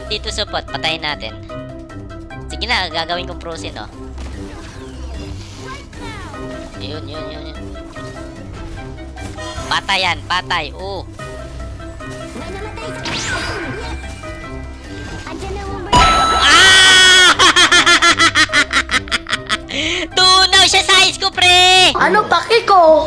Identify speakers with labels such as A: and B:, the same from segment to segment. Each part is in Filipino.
A: dito support. Patayin natin. Sige na, gagawin kong frozen, oh. Yun. Patay yan, patay. Oh. Ah! Tunaw siya sa ice ko, pre!
B: Ano paki ko?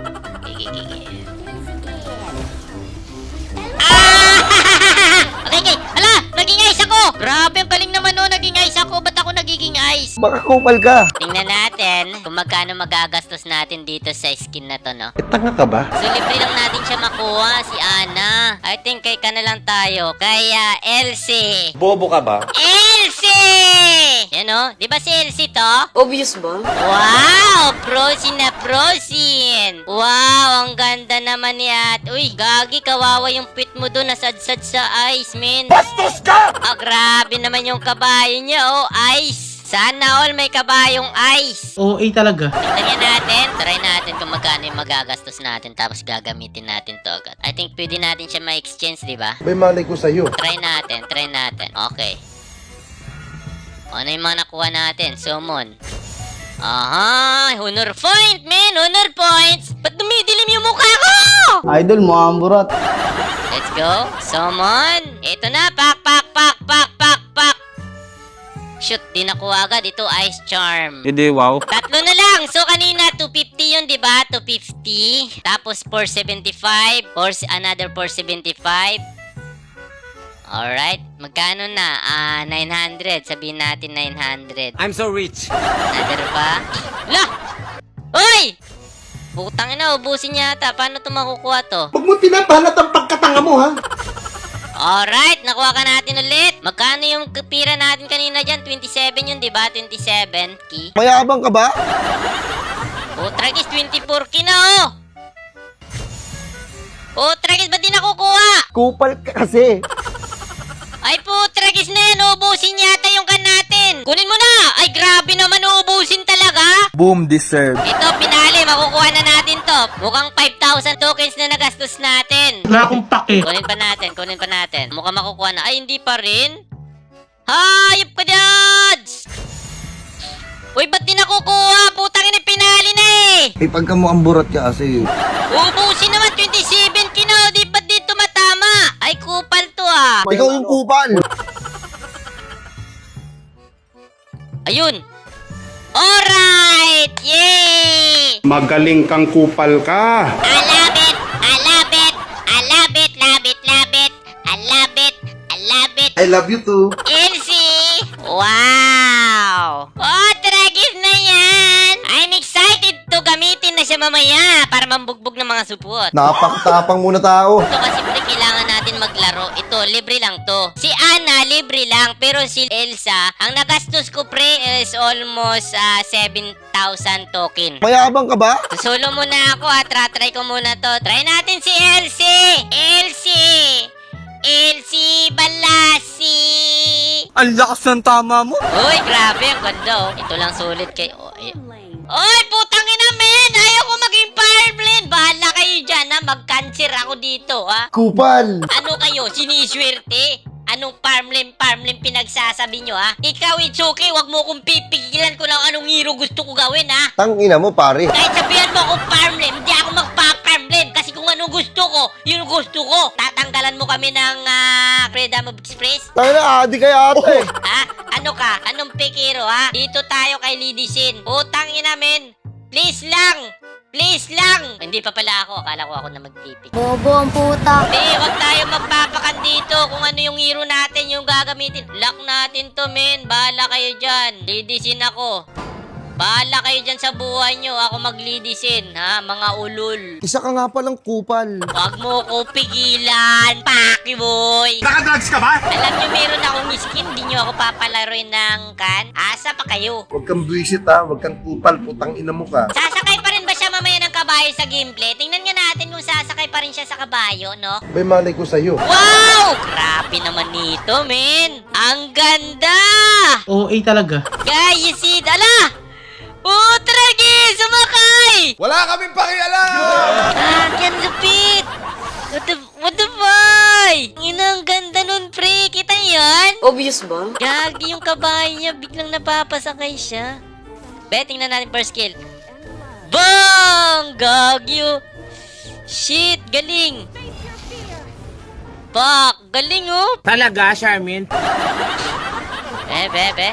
A: Okay. Hala! Naging ice ako! Grabe, ang galing naman no. Naging ice ako. Ba't ako nagiging ice?
C: Baka kupal ka.
A: Tingnan natin kung magkano magagastos natin dito sa skin na to, no?
C: Tanga ka ba?
A: So, libre lang natin siya makuha, si Ana. I think kay ka na lang tayo. Kaya, Elsie.
C: Bobo ka ba?
A: Elsie! Yan o. Di ba si Elsie to?
B: Obvious ba?
A: Wow! Prosin na prosin! Wow! Ang ganda naman niya. Uy, gagi, kawawa yung pit mo doon. Nasadsad sa ice, man.
C: Bastos ka!
A: Ah, grabe naman yung kabayo niya, oh. Ice! Sana all may kabayong ice.
D: OA talaga.
A: Tingnan natin. Try natin kung magkano yung magagastos natin tapos gagamitin natin to agad. I think pwede natin siya ma-exchange, di ba?
C: May malay ko sa'yo.
A: Try natin. Okay. Ano yung mga nakuha natin? Summon. Aha! Honor point, man! Honor points! Ba't dumidilim yung mukha ko?
D: Idol mo, amburat.
A: Let's go. Summon. Ito na. Pak. Shoot, di nakuha agad. Ito, Ice Charm.
D: Hindi, wow.
A: Tatlo na lang. So, kanina, 250 yun, di ba? 250. Tapos, 475. Another 475. Alright. Magkano na? 900. Sabihin natin 900.
E: I'm so rich.
A: Another pa. Lah! Uy! Putang ina, ubusin yata. Paano ito makukuha to?
C: Huwag mo pinapalat ang pagkatanga mo, ha?
A: Alright, nakuha ka natin ulit. Magkano yung pira natin kanina dyan? 27 yun, di ba? 27 key.
C: Mayabang ka ba?
A: Tragis, 24 key na, oh! Tragis, ba't di nakukuha?
C: Kupal ka kasi.
A: Ay, Tragis na yan. Ubusin yata yung kan natin. Kunin mo na! Ay, grabe naman. Ubusin talaga.
C: Boom, deserve.
A: Ito, pinali. Makukuha na natin to. Mukhang 5,000 tokens na nagastos natin.
D: Wala akong pake.
A: Kunin pa natin. Mukhang makukuha na. Ay, hindi pa rin. Hayop ka, Dads! Uy, ba't di nakukuha? Putang ina, pinali na eh!
C: Eh, pagka mo amburat ka kasi.
A: Ubusin naman, 27 kino. Di ba't di tumatama? Ay, kupal to ah.
C: Ikaw yung kupal.
A: Ayun. Alright! Yay!
F: Magaling kang kupal ka.
A: I love it! I love it! I love it! Love it! Love it! I love it! I love it!
C: I love you too.
A: Elsie! Wow! Oh, tragis na yan! I'm excited to gamitin na siya mamaya para mambugbog ng mga supot.
C: Napakatapang muna tao.
A: Ito kasi pre, kailangan natin maglaro. Ito, libre lang to. Si Ana, libre lang. Pero si Elsa, ang nagastos ko pre is almost 7,000 token.
C: Mayabang ka ba?
A: Solo muna ako ha. Try ko muna to. Try natin si Elsie! Elsie Balasi!
E: Ang lakas ng tama mo.
A: Uy, grabe. Ang ganda oh. Ito lang sulit kay... Oy, putang ina men! Ayaw ko maging farmland! Bahala kayo dyan ha. Mag-cancer ako dito ha.
C: Kupal.
A: Ano kayo? Siniswerte? Anong farmland pinagsasabi nyo ha? Ikaw, Itsuki, wag mo kong pipigilan ko lang anong hero gusto ko gawin ha?
C: Tangina mo, pare.
A: Kahit sabihan mo akong farmland, hindi ako magpa-farmland kasi kung anong gusto ko, yun gusto ko. Tatanggalan mo kami ng Freedom of Express?
C: Tangina, adi kaya ate.
A: Ha? Ano ka? Anong pekero ha? Dito tayo kay Lady Sin. Utang ina men. Please lang. Hindi pa pala ako. Akala ko ako na magpipik.
B: Bobo ang puta.
A: Hindi, wag tayo magpapakan dito kung ano yung hero natin yung gagamitin. Lock natin to men. Bahala kayo dyan. Lady Sin ako. Bahala kayo dyan sa buhay nyo. Ako maglidisin, ha? Mga ulol.
C: Isa ka nga palang kupal.
A: Huwag mo ko pigilan, Paki boy.
F: Nakadrugs ka ba?
A: Alam nyo, meron akong skin. Di nyo ako papalaroin ng kan. Asa pa kayo?
C: Huwag kang buwisit ha. Huwag kang kupal. Putang ina mo ka.
A: Sasakay pa rin ba siya mamaya ng kabayo sa gameplay? Tingnan nga natin kung sasakay pa rin siya sa kabayo, no?
C: May malay ko sa'yo.
A: Wow! Grabe naman nito, men. Ang ganda!
D: OA talaga.
A: Guys, you see? Ala! Tragi! Sumakay!
F: Wala kaming pakialam!
A: Yan lupit! What the boy? Ang ganda nun, pre. Kita niyo yan?
B: Obvious ba?
A: Gagi yung kabayo niya, biglang napapasakay siya. Be, tingnan natin first kill. Bang! Gagi oh. Shit, galing. Fuck, galing oh.
E: Talaga, Charmin?
A: Be.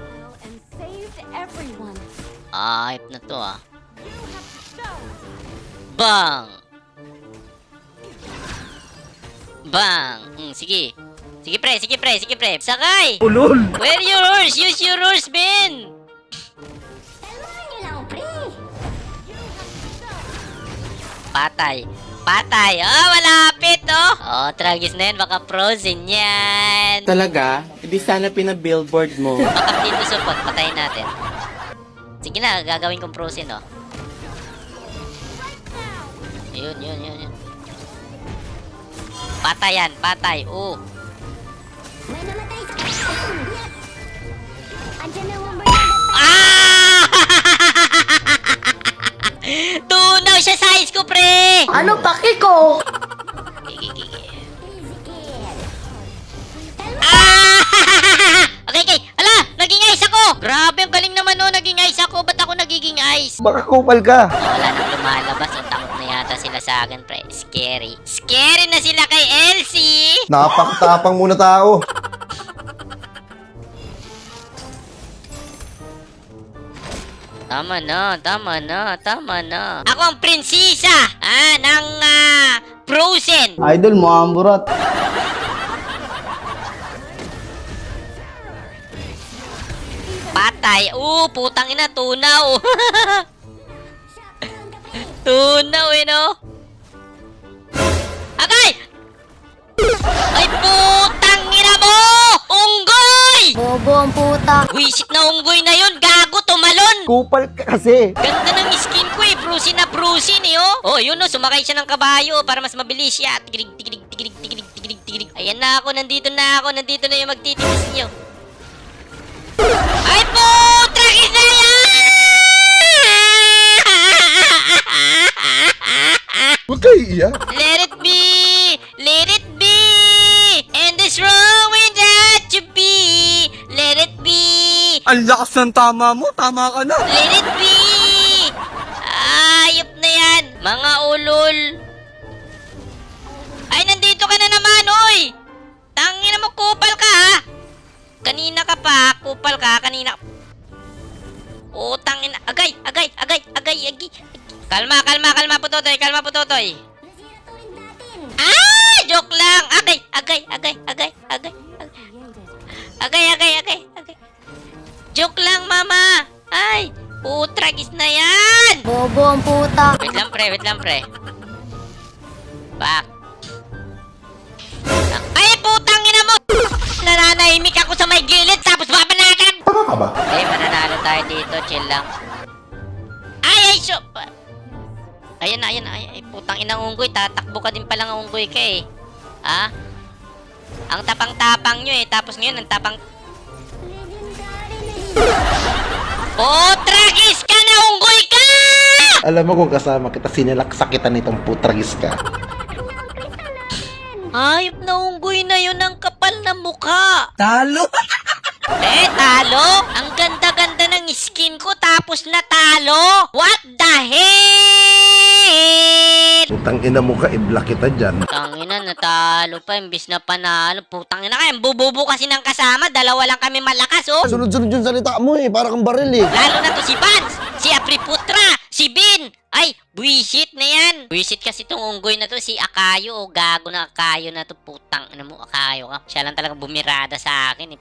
A: Hype na to ah. Bang! Bang! Sige. Sige pre. Sakay!
E: Ulol!
A: Where your horse? Use your horse, Ben! Patay. Oh, malapit, oh! Oh, tragis na yan. Baka frozen yan.
E: Talaga? Hindi sana pinabillboard mo.
A: Baka dito support. Patayin natin. Sige na, gagawin kong frozen, oh. Yun. Patay. Oh. Ah! Tunaw siya sa size ko, pre!
B: Ano paki ko?
A: Ah! Okay. Ala, naging ice ako! Grabe, ang galing naman no, naging ice ako. Ba't ako nagiging ice?
C: Baka kupal ka.
A: Wala nang lumalabas. O, takot na yata sila sa akin, pre. Scary. Scary na sila kay Elsie!
C: Napakatapang muna tao.
A: Tama na. Ako ang prinsesa, ng Frozen.
D: Idol mo ang burat.
A: Patay. Putang ina, tunaw. Tunaw, no? Agay! Ay, putang ina mo! Unggoy!
B: Bobo ang puta.
A: Wisit na unggoy na yun, gago, tumalon!
C: Kupal ka kasi.
A: Ganda ng skin ko eh, brusin na brusin eh, oh. Oh, yun oh, sumakay siya ng kabayo para mas mabilis siya. Tigilig. Ayan na ako, nandito na yung magtitinis niyo. Ay, putra, isa yan!
C: Huwag kayo iiyak.
A: Let it be! And this wrong with that to be! Let it be!
E: Ang lakas ng tama mo. Tama ka na.
A: Let it be! Ayop na yan! Mga ulol! Ay, nandito ka na naman, oy! Tangina mo, kupal ka, ha? Kanina ka pa, kupal ka, kanina. Oh, tangina. Agay. Kalma, putotoy. Ah! Joke lang! Agay. Joke lang, mama! Ay! Putragis na yan!
B: Bobo ang puta.
A: Wait lang, pre. Back. Ay, putang ina mo! Nananahimik ako sa may gilid, tapos babanatan!
C: Tama ka ba?
A: Mananalo tayo dito, chill lang. Ay, Ayan, ay, putang inang unggoy, tatakbo ka din palang unggoy ka eh. Ha? Ang tapang-tapang nyo eh, tapos ngayon, ang tapang... Tragis ka na, unggoy ka!
C: Alam mo kung kasama kita, sinilaksakitan nitong putragis ka.
A: Hayop na unggoy na yun, ang kapal na mukha.
E: Talo!
A: Talo? Ang ganda-ganda ng skin ko tapos natalo? What the hell?
C: Putang ina mo ka, i-block kita dyan.
A: Tangina, natalo pa, imbis na panalo. Putang ina ka, bububo kasi ng kasama, dalawa lang kami malakas, oh.
C: Sunod-sunod yung salita mo eh, para kang baril eh.
A: Lalo na to si Vance, si Apriputra, si Bin. Ay, buwisit na yan. Buwisit kasi tong unggoy na to, si Akayo, oh. Gago na Akayo na to, putang ina mo, Akayo ka. Siya lang talaga bumirada sa akin, eh.